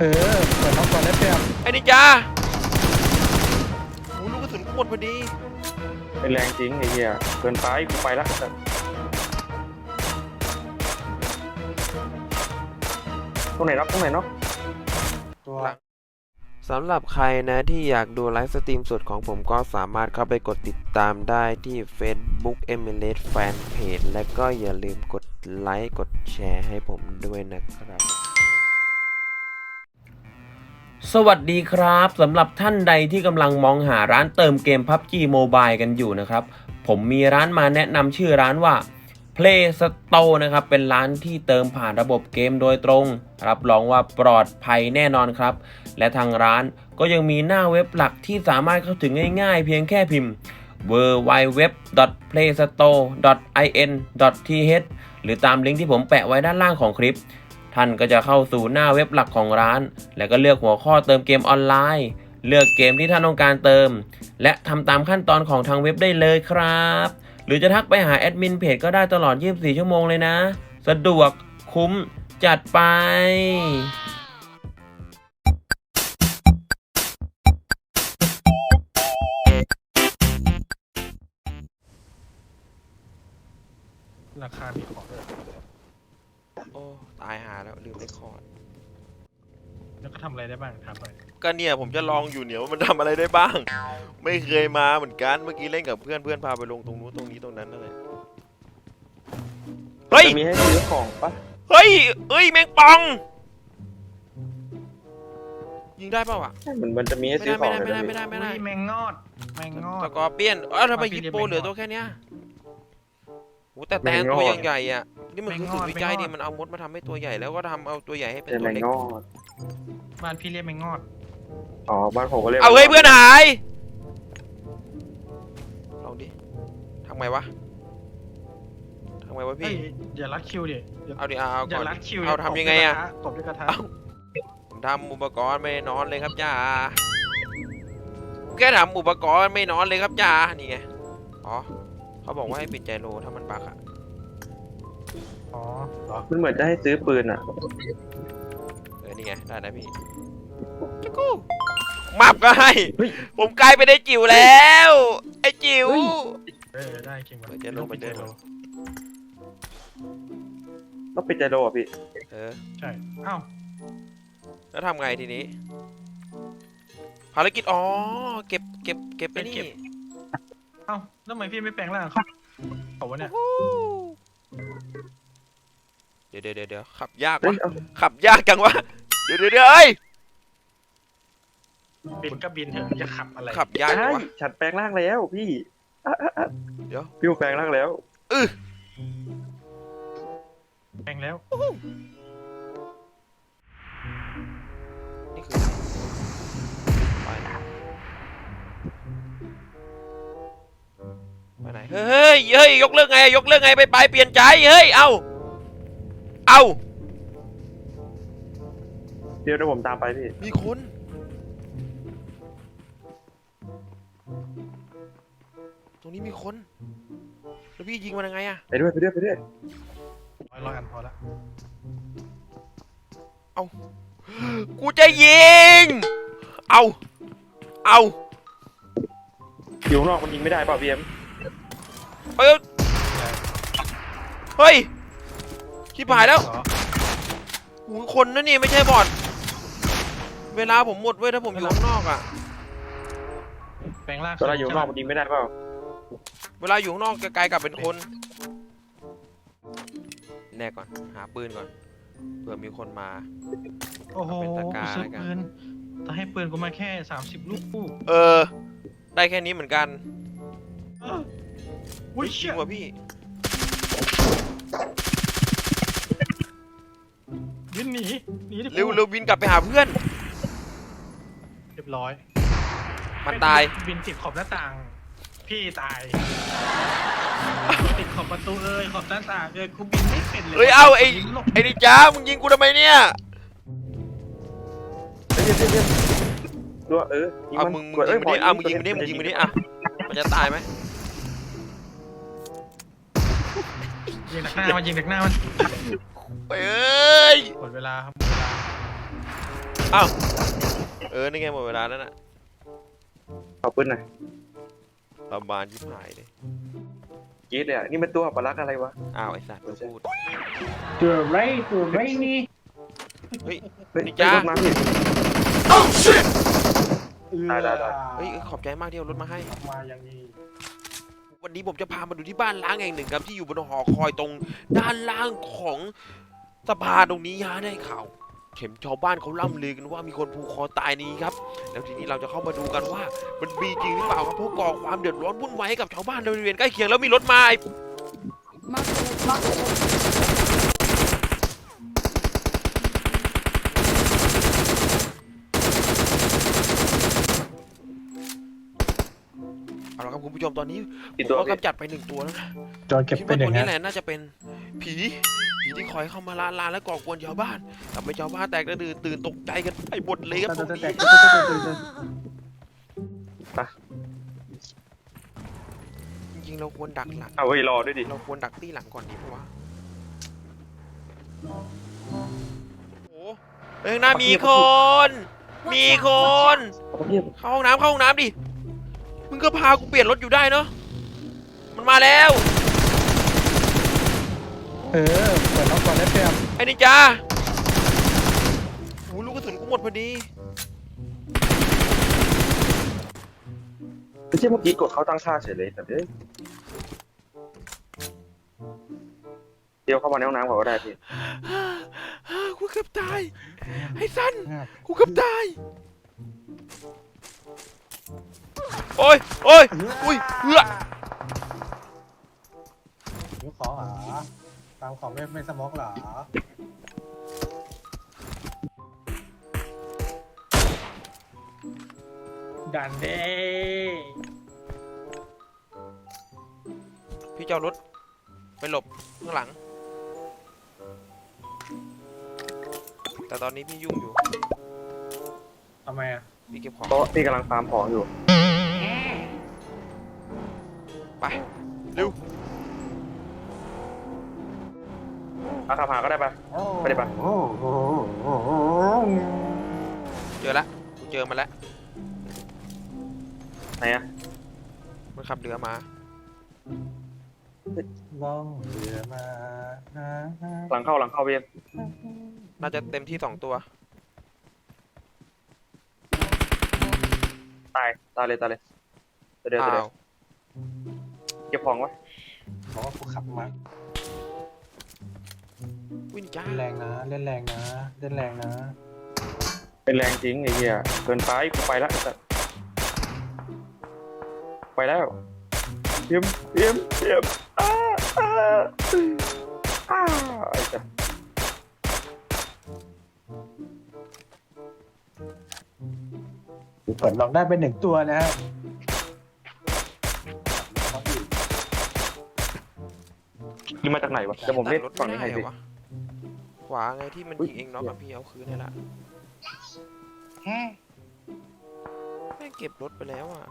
เปิดน็อกก่อนได้เปรียบไอ้นินจาโอ้ลูกกระสุนหมดพอดีเป็นแรงจริงไอ้เหี้ยเกินไปกูไปละตรงไหนน็อกตัวสำหรับใครนะที่อยากดูไลฟ์สตรีมสดของผมก็สามารถเข้าไปกดติดตามได้ที่ Facebook Emirates Fanpage และก็อย่าลืมกดไลค์กดแชร์ให้ผมด้วยนะครับสวัสดีครับสำหรับท่านใดที่กำลังมองหาร้านเติมเกม PUBG Mobile กันอยู่นะครับผมมีร้านมาแนะนำชื่อร้านว่า Play Store นะครับเป็นร้านที่เติมผ่านระบบเกมโดยตรงรับรองว่าปลอดภัยแน่นอนครับและทางร้านก็ยังมีหน้าเว็บหลักที่สามารถเข้าถึงง่ายๆเพียงแค่พิมพ์ www.playstore.in.th หรือตามลิงก์ที่ผมแปะไว้ด้านล่างของคลิปท่านก็จะเข้าสู่หน้าเว็บหลักของร้านแล้วก็เลือกหัวข้อเติมเกมออนไลน์เลือกเกมที่ท่านต้องการเติมและทำตามขั้นตอนของทางเว็บได้เลยครับหรือจะทักไปหาแอดมินเพจก็ได้ตลอด24ชั่วโมงเลยนะสะดวกคุ้มจัดไปราคามีของโอ้ตายหาแล้วลืมเรคคอร์ดแล้วก็ทำอะไรได้บ้างถามหน่อยก็เนี่ยผมจะลองอยู่เนี่ยว่ามันทำอะไรได้บ้างไม่เคยมาเหมือนกันเมื่อกี้เล่นกับเพื่อนพาไปลงตรงนู้นตรงนี้ตรงนั้นนั่นแหละเฮ้ยมีให้ซื้อของปะเฮ้ยแมงป่องยิงได้ป่าวะมันจะมีให้ซื้อของไม่ได้แมงงอดสกอร์เปียนทำไมฮิปโปเหลือตัวแค่เนี้ยโอ้แต่แตนตัวใหญ่ๆอ่ะนี่มันคือสูตรวิจัยนี่มันเอามดมาทำให้ตัวใหญ่แล้วก็ทำเอาตัวใหญ่ให้เป็นตัวเล็กบ้านพี่เรียกแมงงอดอ๋อบ้านผมก็เรียกเอาเฮ้ยเพื่อนหายลองดิทำไงวะพี่อย่ารัดคิวดิเอาดิเอาก่อนเอาทำยังไงอะตบด้วยกระทะผมทำอุปกรณ์ไม่นอนเลยครับจ้าแค่ทำอุปกรณ์ไม่นอนเลยครับจ้านี่ไงอ๋อเขาบอกว่าให้ปิดใจโลถ้ามันบักอะอ๋อมันเหมือนจะให้ซื้อปืนอะนี่ไงได้นะพี่จะกู้มับก็ให้ผมกลายเป็นไอ้จิ๋วแล้วไอ้จิ๋วได้จริงวะจะลงไปเจอโลต้องปิดใจโลอ่ะพี่ใช่เอ้าแล้วทำไงทีนี้ภารกิจอ๋อเก็บไปนี่เอ้าแล้วทำไมพี่ไม่แปลงร่างเขาวะเนี่ยเดี๋ยวขับยากวะขับยากจังวะเดี๋ยวเอ้ยบินก็บินเถอะจะขับอะไรขับยากวะฉันแปลงร่างแล้วพี่เดี๋ยวพี่แปลงร่างแล้วแปลงแล้วนี่คือไปไหนเฮ้ยยกเลิกไงไปเปลี่ยนใจเฮ้ยเอาเดี๋ยวผมตามไปพี่มีคนตรงนี้มีคนแล้วพี่ยิงมันยังไงอะไปด้วยร้อยอันพอละเอากูจะยิงเอาอยู่นอกมันยิงไม่ได้ป่ะพี่เอ็มเฮ้ยชิบหายแล้วหูคนนั่นนี่ไม่ใช่บอทเวลาผมหมดเว้ยถ้าผมอยู่ข้างนอกอะแปลงร่างเวลาอยู่นอกมันยิงไม่ได้เปล่าเวลาอยู่ข้างนอกกลายกลับเป็นคนแน่ก่อนหาปืนก่อนเผื่อมีคนมาโอ้โหซื้อปืนแต่ให้ปืนกูมาแค่30 ลูกได้แค่นี้เหมือนกันอุ้ยเชี่ยว่ะพี่บินหนีเร็วบินกลับไปหาเพื่อนเรียบร้อยมันตายบินติดขอบหน้าต่างพี่ตายติดขอบประตูขอบหน้าต่างกูบินไม่เป็นเลยเอาไอ้ดิจ้ามึงยิงกูทำไมเนี่ยตัวมึงยิงมันดิอ่ะมันจะตายไหมยิงหนักหน้ามันเอ้ยหมดเวลาครับอ้าวนี่ไงหมดเวลาแล้วน่ะเอาปืนหน่อยประมาณยิบหายเลยกรีดเลยอ่ะนี่มันตัวอัปลักษณ์อะไรวะอ้าวไอ้สัตว์พูดตัวไรนี่เฮ้ยเฮ้ยนี่จ้ารถมาพี่ ได้เฮ้ยขอบใจมากที่เอารถมาให้มาอย่างนี้วันนี้ผมจะพามาดูที่บ้านล้างแห่งหนึ่งครับที่อยู่บนหอคอยตรงด้านล่างของสะพานตรงนี้ฮะได้ข่าวเข็มชาวบ้านเขาล่ำลือกันว่ามีคนผูกคอตายนี้ครับแล้วทีนี้เราจะเข้ามาดูกันว่ามันมีจริงหรือเปล่าครับเพราะก่อความเดือดร้อนวุ่นวายให้กับชาวบ้านในบริเวณใกล้เคียงแล้วมีรถมา เอาละครับคุณผู้ชมตอนนี้ผกี่มตัวก็พี่กำจัดไป1 ตัวแล้วนะจอเก็บคิดเป็ว่านอตัวย่างนี้นี้แหละน่าจะเป็นผีที่คอยเข้ามาลานและก่อกวนชาวบ้านทำให้ชาวบ้านแตกกระดือตื่นตกใจกันไปหมดเลยครับตรงนี้จริงๆเราควรดักหลังเอาไว้รอด้วยดิเราควรดักตี้หลังก่อนดีเพราะว่าโอ้เฮ้ยข้างหน้ามีคนมีคนเอาพี่เข้าห้องน้ำดิมึงก็พากูเปลี่ยนรถอยู่ได้เนาะมันมาแล้วเปิดล็อกก่อนได้เปรียบไอ้นี่จ้าโอ้ลูกกระสุนกูหมดพอดีไม่ใช่เมื่อกี้กดเขาตั้งค่าเฉยเลยแต่เดี๋ยวเข้ามาในห้องน้ำก่อนก็ได้พี่กูเกือบตายไอ้สันกูเกือบตายโอ้ยอุ้ยเหือหิวของเหรอตามของไม่สมองเหรอ ดันเด้พี่เจ้ารถไปหลบข้างหลังแต่ตอนนี้พี่ยุ่งอยู่ทำไมอ่ะพี่เก็บของเพราะพี่กำลังฟาร์มของอยู่ไปเร็วเอาขับหาก็ได้ปะไม่ได้ปะเจอแล้วกูเจอมันแล้วไหนอะมันขับเรือมาล่องเรือมาหลังเข้าพี่น่าจะเต็มที่2 ตัวตายเลยเดี๋ยวอ้าวเก็บของไว้บอกว่ากูขับมาวิ่งจ้าเล่นแรงนะเล่นแรงนะเล่นแรงนะเป็นแรงจริงไอ้เหี้ยเกินไปกูไปละไอ้สัสไปแล้วเยี่ยมไอ้สัสเปิดลองได้เป็น1 ตัวนะฮะนี่มาจากไหนวะเดี๋ยวผมเล่นรถฝั่งไม่นี้ได้ให้เหรพี่อวะขวาไงที่มันอุ๊ยยิงเองน็อกกับพี่เอาคืนนี่แหละแม่งเก็บรถไปแล้วอ่ะ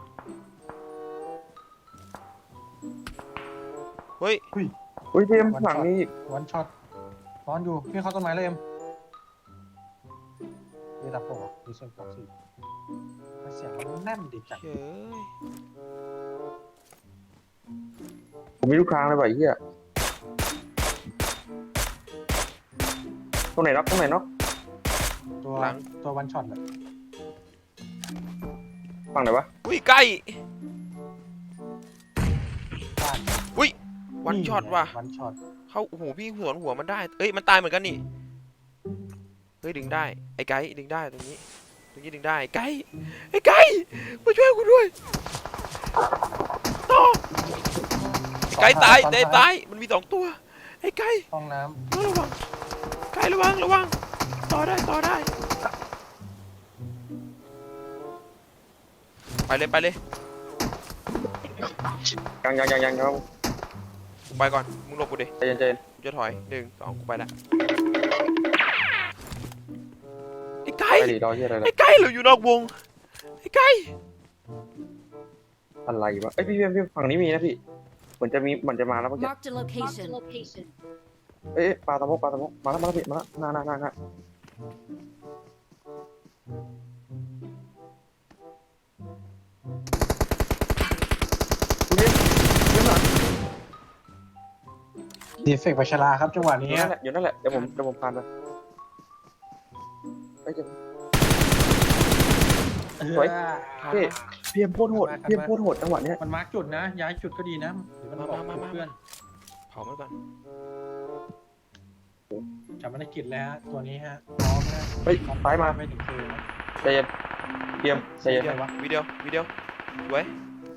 เฮ้ยอุ้ยพี่ข้างหลังนี่อีกวันช็อตนอนอยู่พี่เข้าต้นไม้เลยนี่รับโปะดีเซนบอกสิเสียงมันแน่นดีจังเฮ้ยผมมีลูกค้างเลยว่ะไอ้เหี้ยตรงไหนน็อกตัววันช็อตเลยฝั่งไหนวะอุ้ยใกล้บ้านอุ้ยวันช็อตว่ะวันช็อตเข้าโอ้โหพี่สวนหัวมันได้เอ้ยมันตายเหมือนกันนี่เฮ้ยดึงได้ไอ้ไก่ดึงได้ตรงนี้ดึงได้ไอ้ไก่มาช่วยกูด้วยต่อไก่ตายมันมี2 ตัวไอ้ไก่ห้องน้ระวังไก่ระวังต่อได้ไปเลยยังครับกูไปก่อนมึงหลบกูดิใจเย็นกูจะถอย1 2กูไปละไอ้ไก่ไปดิรอเหี้ยอะไรไอ้ไก่เราอยู่นอกวงไอ้ไก่อะไรวะเอ้ยพี่ฝั่งนี้มีนะพี่เหมือนจะมาแล้วเมื่อกี้ Marked a location. เอ้ยปลาตะมกมาแล้วพี่มาแล้วหน้าดีเฟกต์พัชราครับจังหวะอยู่นี้นั่นแหละอยู่นั่นแหละเดี๋ยวผมพานไปเฮ้ย สวย พี่เอ็มโคตรโหดพี่เอ็มโคตรโหดจังหวะเนี้ยมันมาร์กจุดนะ ย้ายจุดก็ดีนะเดี๋ยวมันบอกเพื่อนเผามันก่อนจับมันในกิจแล้วฮะตัวนี้ฮะพร้อมนะเฮ้ยซ้ายมาไม่ถึงคืนนะใจเย็นพี่เอ็มใจเย็นวิดีโอสวย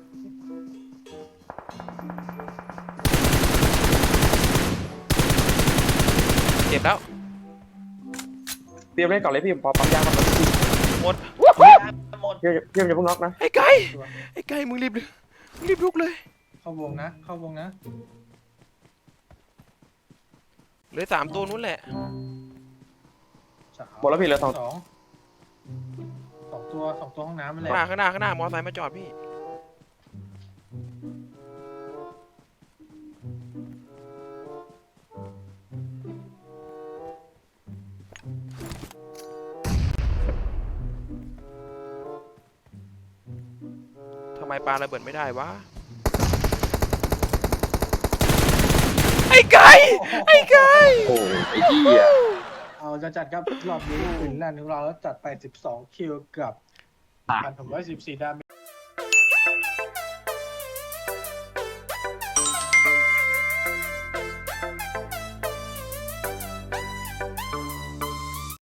เจ็บแล้วพี่เอ็มเล่นก่อนเลยพี่เอ็มพอปั๊มยางมาก่อนหมดพี่เอ็มอย่าเพิ่งน็อกนะไอ้ไก่มึงรีบลุกเลยเข้าวงนะ เข้าวงนะเหลือ3ตัวนู้นแหละหมดแล้วพี่เหลือสองสองตัวห้องน้ำมันแหละข้างหน้ามอไซค์มาจอดพี่ทำไมปลาระเบิดไม่ได้วะไอ้ไก่โอ้ยไอ้เหี้ยเอาจะจัดครับรอบนี้ฟินแลนด์ของเราแล้วจัดไป12คิวกับ1,614ดาเมจ